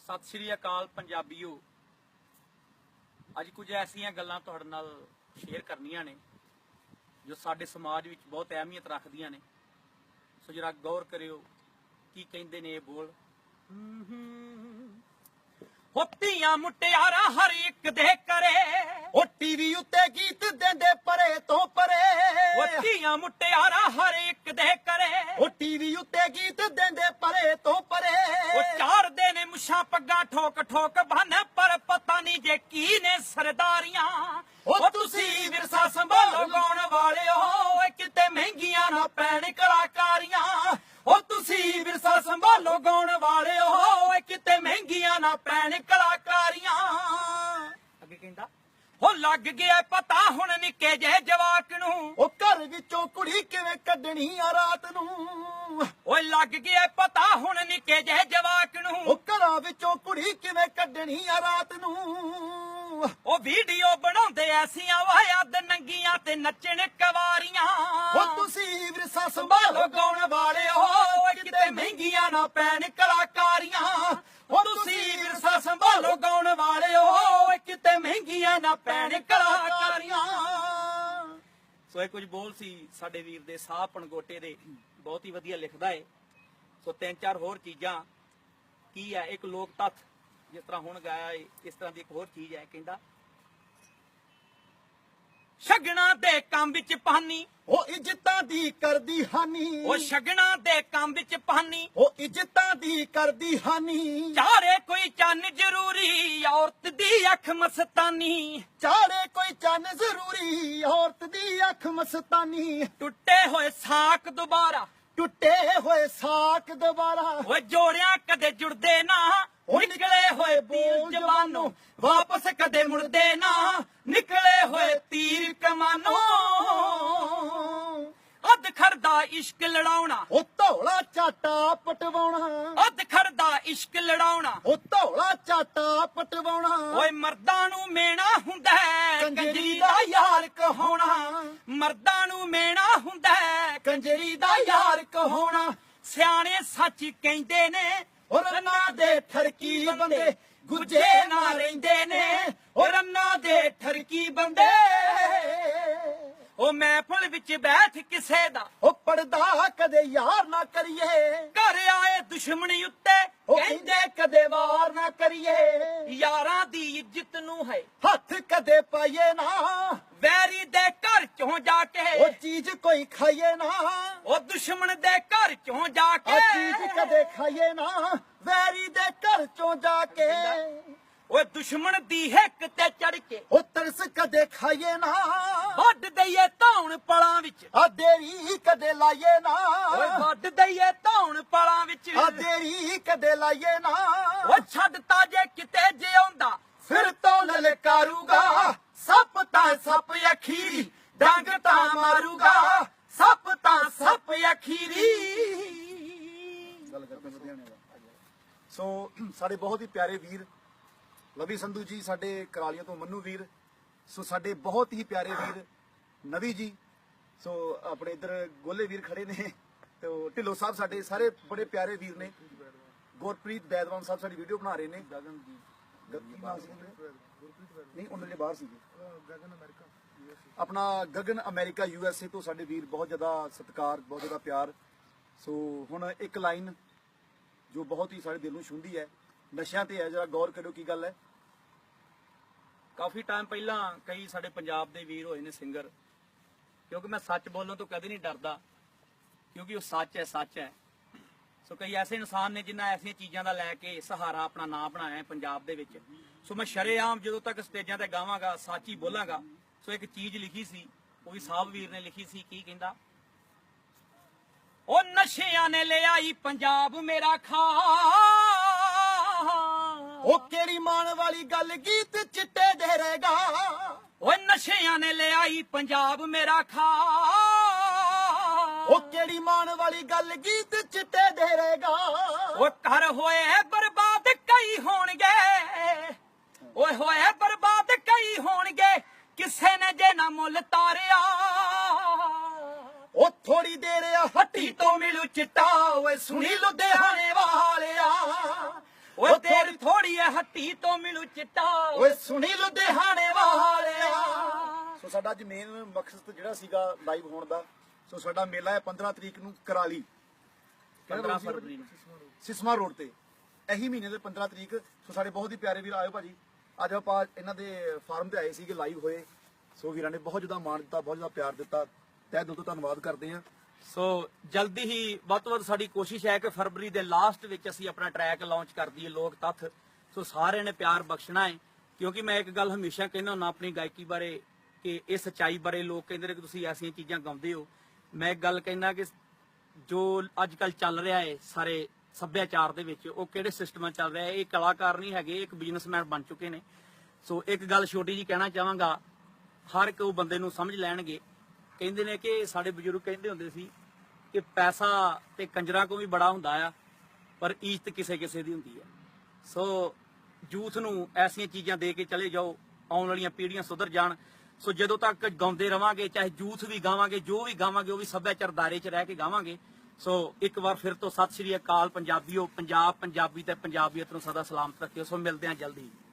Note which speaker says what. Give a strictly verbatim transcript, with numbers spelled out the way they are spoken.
Speaker 1: सत श्री अकाल पंजाबीओ। अज कुछ ऐसिया गल्लां तुहाडे नाल शेयर करनियां ने जो साडे समाज विच बहुत अहमियत रखदियां ने। सो जरा गौर करियो की कहिंदे ने बोल। होतियां मुटियारा हर एक दे करे,
Speaker 2: ओ टीवी उत्ते गीत देंदे परे तो परे।
Speaker 1: होतियां मुटियारा हर एक दे करे,
Speaker 2: ओ टीवी उत्ते गीत देंदे परे तो परे।
Speaker 1: ओ चार दे ने मुछां पग्गां ठोक ठोक बन, पर पता नहीं जे की ने सरदारियां।
Speaker 2: ओ तुसी विरसा संभालो गाउण वालिओ,
Speaker 1: किते महंगियां ना पैण कलाकारियां।
Speaker 2: ओ तुसी विरसा संभालो गाउण वालिओ,
Speaker 1: किते महंगियां ना पैण कलाकारियां। अगे कहंदा हो लग गया पता हुण निक्के जे जवाक नूं,
Speaker 2: ओ घर विचों कुड़ी किवें कढणी आ रात नूं।
Speaker 1: ओए लग गया पता हुण निक्के जे जवाक नूं,
Speaker 2: ओ घरां विचों कुड़ी किवें कढणी आ रात नूं।
Speaker 1: ओ वीडियो बनाउंदे ऐसियां वायद नंगियां ते नचण कवारियां।
Speaker 2: ओ तुसी विरसा संभालो गाउण वालिओ,
Speaker 1: किते महंगियां ना पैण कलाकारियां।
Speaker 2: ओ तुसी विरसा संभालो गाउण वालिओ,
Speaker 1: किते महंगियां ना पैण कलाकारियां। सो ਇਹ ਕੁਝ ਬੋਲ ਸੀ ਸਾਡੇ ਵੀਰ ਦੇ ਸਾਹ ਪਣਗੋਟੇ ਦੇ, ਬਹੁਤ ਹੀ ਵਧੀਆ ਲਿਖਦਾ ਏ। ਸੋ ਤਿੰਨ ਚਾਰ ਹੋਰ ਚੀਜ਼ਾਂ ਕੀ ਹੈ, ਇੱਕ ਲੋਕ ਤੱਥ ਜਿਸ ਤਰ੍ਹਾਂ ਹੁਣ ਗਾਇਆ ਏ, ਇਸ ਤਰ੍ਹਾਂ ਦੀ ਇੱਕ ਹੋਰ ਚੀਜ਼ ਹੈ। ਕਹਿੰਦਾ ਸ਼ਗਨਾਂ ਦੇ ਕੰਮ ਵਿੱਚ ਪਾਨੀ,
Speaker 2: ओ इज्जतां दी करदी हानी।
Speaker 1: ਉਹ ਸ਼ਗਨਾਂ ਦੇ ਕੰਮ ਵਿੱਚ ਪਾਨੀ,
Speaker 2: ओ इज्जतां दी करदी हानी।
Speaker 1: ਚਾਰੇ ਕੋਈ ਚੰਨ ਜ਼ਰੂਰੀ, ਔਰਤ ਦੀ ਅੱਖ ਮਸਤਾਨੀ।
Speaker 2: चारे कोई चन जरूरी, औरत दी अख मस्तानी।
Speaker 1: ਟੁੱਟੇ ਹੋਏ ਸਾਕ ਦੁਬਾਰਾ,
Speaker 2: टुटे होए साक दोबारा।
Speaker 1: ਓਏ ਜੋੜਿਆਂ ਕਦੇ ਜੁੜਦੇ ਨਾ,
Speaker 2: ओ
Speaker 1: ਨਿਕਲੇ ਹੋਏ ਤੀਰ ਜਵਾਨੋਂ ਵਾਪਸ ਕਦੇ ਮੁੜਦੇ ਨਾ। ਨਿਕਲੇ ਹੋਏ ਤੀਰ ਕਮਾਨੋਂ ਅੱਧ ਖੜਦਾ ਇਸ਼ਕ ਲੜਾਉਣਾ,
Speaker 2: ओ धौला चाटा पटवाउणा।
Speaker 1: ਅੱਧ ਖੜਦਾ ਇਸ਼ਕ ਲੜਾਉਣਾ।
Speaker 2: ओ धौला चाटा पटवाउणा।
Speaker 1: ਓਏ ਮਰਦਾਂ ਨੂੰ ਮੇਣਾ ਹੁੰਦਾ ਹੈ, ਕੰਜਰੀ ਦਾ ਯਾਰ ਕਹਾਉਣਾ। ਮਰਦਾਂ ਨੂੰ ਮੇਣਾ ਹੁੰਦਾ ਹੈ, ਕੰਜਰੀ ਦਾ ਯਾਰ ਕਹਾਉਣਾ। ਸਿਆਣੇ ਸੱਚ ਕਹਿੰਦੇ ਨੇ,
Speaker 2: ओ रन्ना दे ठरकी बंदे
Speaker 1: ਗੁੱਜੇ ਨਾ ਰਹਿੰਦੇ ਨੇ। ਓ ਰੰਨਾਂ ਦੇ ਠਰਕੀ ਬੰਦੇ, ਓ ਮਹਿਫਲ ਵਿੱਚ ਬੈਠ ਕਿਸੇ ਦਾ
Speaker 2: ओ पड़दा कदे यार ना करिए।
Speaker 1: ਘਰ ਆਏ ਦੁਸ਼ਮਣੀ ਉੱਤੇ
Speaker 2: ओ
Speaker 1: ਕਹਿੰਦੇ
Speaker 2: कहंदे कदे वार ना करिए।
Speaker 1: ਯਾਰਾਂ ਦੀ ਇੱਜ਼ਤ ਨੂੰ ਹੈ
Speaker 2: हथ कदे पाइए ना,
Speaker 1: ਵੈਰੀ ਦੇ ਘਰ ਚੋਂ ਜਾ ਕੇ।
Speaker 2: ओ चीज कोई खाइए ना,
Speaker 1: ਓ ਦੁਸ਼ਮਣ ਦੇ ਘਰ ਚੋਂ ਜਾ
Speaker 2: आ
Speaker 1: ਕੇ।
Speaker 2: चीज कदे खाइए ना, वैरी दे घर चों जाके।
Speaker 1: ਓਏ ਦੁਸ਼ਮਣ ਦੀ ਹਿੱਕ ਤੇ ਚੜ ਕੇ
Speaker 2: ओ तरस कदे खाइए ना,
Speaker 1: ਵੱਢ ਦਈਏ ਧੌਣ ਪਲਾਂ ਵਿੱਚ।
Speaker 2: आ देरी कदे लाइए ना,
Speaker 1: ਓਏ ਵੱਢ ਦਈਏ ਧੌਣ ਪਲਾਂ ਵਿੱਚ।
Speaker 2: आ देरी कदे लाइए ना।
Speaker 1: ਓ ਛੱਡਤਾ ਜੇ ਕਿਤੇ ਜਿਉਂਦਾ
Speaker 2: फिर तो ललकारूगा,
Speaker 1: ਸੱਪ ਤਾਂ ਸੱਪ ਅਖੀਰੀ, ਡੰਗ ਤਾਂ ਮਾਰੂਗਾ। ਸੱਪ ਤਾਂ ਸੱਪ ਅਖੀਰੀ।
Speaker 2: ਸੋ ਸਾਡੇ ਬਹੁਤ ਹੀ ਪਿਆਰੇ ਵੀਰ ਲਵੀ ਸੰਧੂ ਜੀ, ਸਾਡੇ ਕਰਾਲੀਆਂ ਤੋਂ ਮੰਨੂ ਵੀਰ, ਸੋ ਸਾਡੇ ਬਹੁਤ ਹੀ ਪਿਆਰੇ ਵੀਰ ਨਵੀ ਜੀ, ਸੋ ਆਪਣੇ ਇਧਰ ਗੋਲੇ ਵੀਰ ਖੜੇ ਨੇ, ਤੇ ਢਿੱਲੋਂ ਸਾਹਿਬ ਸਾਡੇ ਸਾਰੇ ਬੜੇ ਪਿਆਰੇ ਵੀਰ ਨੇ। ਗੁਰਪ੍ਰੀਤ ਬੈਦਵਾਨ ਸਾਹਿਬ ਸਾਡੀ ਵੀਡੀਓ ਬਣਾ ਰਹੇ ਨੇ। ਗਗਨ ਜੀ ਨਹੀਂ, ਉਹਨਾਂ ਦੇ ਬਾਹਰ ਸੀਗੇ। ਗਗਨ ਅਮਰੀਕਾ ਆਪਣਾ Gagan America U S A ਤੋਂ ਸਾਡੇ ਵੀਰ, ਬਹੁਤ ਜ਼ਿਆਦਾ ਸਤਿਕਾਰ, ਬਹੁਤ ਜ਼ਿਆਦਾ ਪਿਆਰ। ਸੋ ਹੁਣ ਇੱਕ ਲਾਈਨ ਜੋ ਬਹੁਤ ਹੀ ਸਾਡੇ ਦਿਲ ਨੂੰ ਛੂੰਹਦੀ ਹੈ, ਨਸ਼ਿਆਂ ਤੇ ਹੈ, ਜਰਾ ਗੌਰ ਕਰਿਓ ਕੀ ਗੱਲ ਹੈ।
Speaker 1: ਕਾਫੀ ਟਾਈਮ ਪਹਿਲਾਂ ਕਈ ਸਾਡੇ ਪੰਜਾਬ ਦੇ ਵੀਰ ਹੋਏ ਨੇ ਸਿੰਗਰ, ਕਿਉਂਕਿ ਮੈਂ ਸੱਚ ਬੋਲਣ ਤੋਂ ਕਦੇ ਨਹੀਂ ਡਰਦਾ, ਕਿਉਂਕਿ ਉਹ ਸੱਚ ਹੈ, ਸੱਚ ਹੈ। ਸੋ ਕਈ ਐਸੇ ਇਨਸਾਨ ਨੇ ਜਿਨ੍ਹਾਂ ਐਸੀਆਂ ਚੀਜ਼ਾਂ ਦਾ ਲੈ ਕੇ ਸਹਾਰਾ ਆਪਣਾ ਨਾਂ ਬਣਾਇਆ ਹੈ ਪੰਜਾਬ ਦੇ ਵਿੱਚ। ਸੋ ਮੈਂ ਸ਼ਰੇਆਮ ਜਦੋਂ ਤੱਕ ਸਟੇਜਾਂ ਤੇ ਗਾਵਾਂਗਾ ਸੱਚ ਹੀ ਬੋਲਾਂਗਾ। ਸੋ ਇੱਕ ਚੀਜ਼ ਲਿਖੀ ਸੀ, ਉਹ ਵੀ ਸਾਹਿਬ ਵੀਰ ਨੇ ਲਿਖੀ ਸੀ। ਕੀ ਕਹਿੰਦਾ? ਉਹ ਨਸ਼ਿਆਂ ਨੇ ਲਿਆਈ ਪੰਜਾਬ ਮੇਰਾ ਖਾ।
Speaker 2: ਉਹ ਕਿਹੜੀ ਮਾਣ ਵਾਲੀ ਗੱਲ, ਗੀਤ ਚਿੱਟੇ ਦੇ ਰਹੇਗਾ।
Speaker 1: ਓਏ ਨਸ਼ਿਆਂ ਨੇ ਲਿਆਈ ਪੰਜਾਬ ਮੇਰਾ ਖਾ।
Speaker 2: ਉਹ ਕਿਹੜੀ ਮਾਣ ਵਾਲੀ ਗੱਲ, ਗੀਤ ਚਿੱਟੇ ਦੇ ਰਹੇਗਾ।
Speaker 1: ਓ ਘਰ ਹੋਏ ਬਰਬਾਦ ਕਈ ਹੋਣਗੇ, ਓਏ ਹੋਏ ਬਰਬਾਦ ਕਈ ਹੋਣਗੇ, ਕਿਸੇ ਨੇ ਜੇ ਨਾ ਮੁੱਲ ਤਾਰਿਆ।
Speaker 2: ਉਹ ਥੋੜੀ ਦੇਰ ਹੱਟੀ ਤੋਂ ਮਿਲੂ ਚਿੱਟਾ, ਓਏ ਸੁਣੀ ਲੁਧਿਆਣੇ ਵਾਲਿਆ।
Speaker 1: ਓਏ ਤੇਰੀ ਥੋੜੀ ਐ ਹੱਟੀ ਤੋਂ ਮਿਲੂ ਚਿੱਟਾ
Speaker 2: ਓਏ ਸੁਣੀ
Speaker 1: ਲੁਧਿਆਣੇ ਵਾਲਿਆ।
Speaker 2: ਸੋ ਸਾਡਾ ਅੱਜ ਮੇਨ ਮਕਸਦ ਜਿਹੜਾ ਸੀਗਾ ਲਾਈਵ ਹੋਣ ਦਾ, ਸੋ ਸਾਡਾ ਮੇਲਾ ਹੈ ਪੰਦਰਾਂ ਤਰੀਕ ਨੂੰ ਕਰਾਲੀ,
Speaker 1: ਪੰਦਰਾਂ ਫਰਵਰੀ ਨੂੰ
Speaker 2: ਸਿਸਮਾ ਰੋਡ ਤੇ, ਇਹੀ ਮਹੀਨੇ ਦੇ ਪੰਦਰਾਂ ਤਰੀਕ। ਸੋ ਸਾਡੇ ਬਹੁਤ ਹੀ ਪਿਆਰੇ ਵੀਰ ਆਇਓ ਭਾਜੀ, ਅੱਜ ਆਪਾਂ ਇਹਨਾਂ ਦੇ ਫਾਰਮ ਤੇ ਆਏ ਸੀਗੇ, ਲਾਈਵ ਹੋਏ। ਸੋ ਵੀਰਾਂ ਨੇ ਬਹੁਤ ਜ਼ਿਆਦਾ ਮਾਣ ਦਿੱਤਾ, ਬਹੁਤ ਜ਼ਿਆਦਾ ਪਿਆਰ ਦਿੱਤਾ, ਤਹਿ ਦਿਲ ਤੋਂ ਧੰਨਵਾਦ ਕਰਦੇ ਹਾਂ।
Speaker 1: ਸੋ ਜਲਦੀ ਹੀ ਵੱਧ ਤੋਂ ਵੱਧ ਸਾਡੀ ਕੋਸ਼ਿਸ਼ ਹੈ ਕਿ ਫਰਵਰੀ ਦੇ ਲਾਸਟ ਵਿੱਚ ਅਸੀਂ ਆਪਣਾ ਟਰੈਕ ਲਾਂਚ ਕਰ ਦਈਏ, ਲੋਕ ਤੱਥ। ਸੋ ਸਾਰਿਆਂ ਨੇ ਪਿਆਰ ਬਖਸ਼ਣਾ ਹੈ, ਕਿਉਂਕਿ ਮੈਂ ਇੱਕ ਗੱਲ ਹਮੇਸ਼ਾ ਕਹਿੰਦਾ ਹੁੰਦਾ ਆਪਣੀ ਗਾਇਕੀ ਬਾਰੇ ਕਿ ਇਹ ਸੱਚਾਈ ਬਾਰੇ ਲੋਕ ਕਹਿੰਦੇ ਨੇ ਕਿ ਤੁਸੀਂ ਐਸੀਆਂ ਚੀਜ਼ਾਂ ਗਾਉਂਦੇ ਹੋ। ਮੈਂ ਇੱਕ ਗੱਲ ਕਹਿੰਦਾ ਕਿ ਜੋ ਅੱਜ ਕੱਲ ਚੱਲ ਰਿਹਾ ਹੈ ਸਾਰੇ ਸੱਭਿਆਚਾਰ ਦੇ ਵਿੱਚ, ਉਹ ਕਿਹੜੇ ਸਿਸਟਮਾਂ ਚੱਲ ਰਿਹਾ ਹੈ, ਇਹ ਕਲਾਕਾਰ ਨਹੀਂ ਹੈਗੇ, ਇੱਕ ਬਿਜ਼ਨਸਮੈਨ ਬਣ ਚੁੱਕੇ ਨੇ। ਸੋ ਇੱਕ ਗੱਲ ਛੋਟੀ ਜੀ ਕਹਿਣਾ ਚਾਹਾਂਗਾ, ਹਰ ਇੱਕ ਉਹ ਬੰਦੇ ਨੂੰ ਸਮਝ ਲੈਣਗੇ। ਕਹਿੰਦੇ ਨੇ ਕਿ ਸਾਡੇ ਬਜ਼ੁਰਗ ਕਹਿੰਦੇ ਹੁੰਦੇ ਸੀ ਕਿ ਪੈਸਾ ਤੇ ਕੰਜਰਾਂ ਕੋ ਵੀ ਬੜਾ ਹੁੰਦਾ ਆ, ਪਰ ਇੱਜ਼ਤ ਕਿਸੇ ਕਿਸੇ ਦੀ ਹੁੰਦੀ ਹੈ। ਸੋ ਯੂਥ ਨੂੰ ਐਸੀਆਂ ਚੀਜ਼ਾਂ ਦੇ ਕੇ ਚਲੇ ਜਾਓ, ਆਉਣ ਵਾਲੀਆਂ ਪੀੜ੍ਹੀਆਂ ਸੁਧਰ ਜਾਣ। ਸੋ ਜਦੋਂ ਤੱਕ ਗਾਉਂਦੇ ਰਵਾਂਗੇ, ਚਾਹੇ ਯੂਥ ਵੀ ਗਾਵਾਂਗੇ, ਜੋ ਵੀ ਗਾਵਾਂਗੇ ਉਹ ਵੀ ਸੱਭਿਆਚਾਰ ਦਾਇਰੇ 'ਚ ਰਹਿ ਕੇ ਗਾਵਾਂਗੇ। ਸੋ ਇੱਕ ਵਾਰ ਫਿਰ ਤੋਂ ਸਤਿ ਸ਼੍ਰੀ ਅਕਾਲ ਪੰਜਾਬੀਓ। ਪੰਜਾਬ ਪੰਜਾਬੀ ਤੇ ਪੰਜਾਬੀਅਤ ਨੂੰ ਸਦਾ ਸਲਾਮਤ ਰੱਖਿਓ। ਸੋ ਮਿਲਦੇ ਹਾਂ ਜਲਦੀ।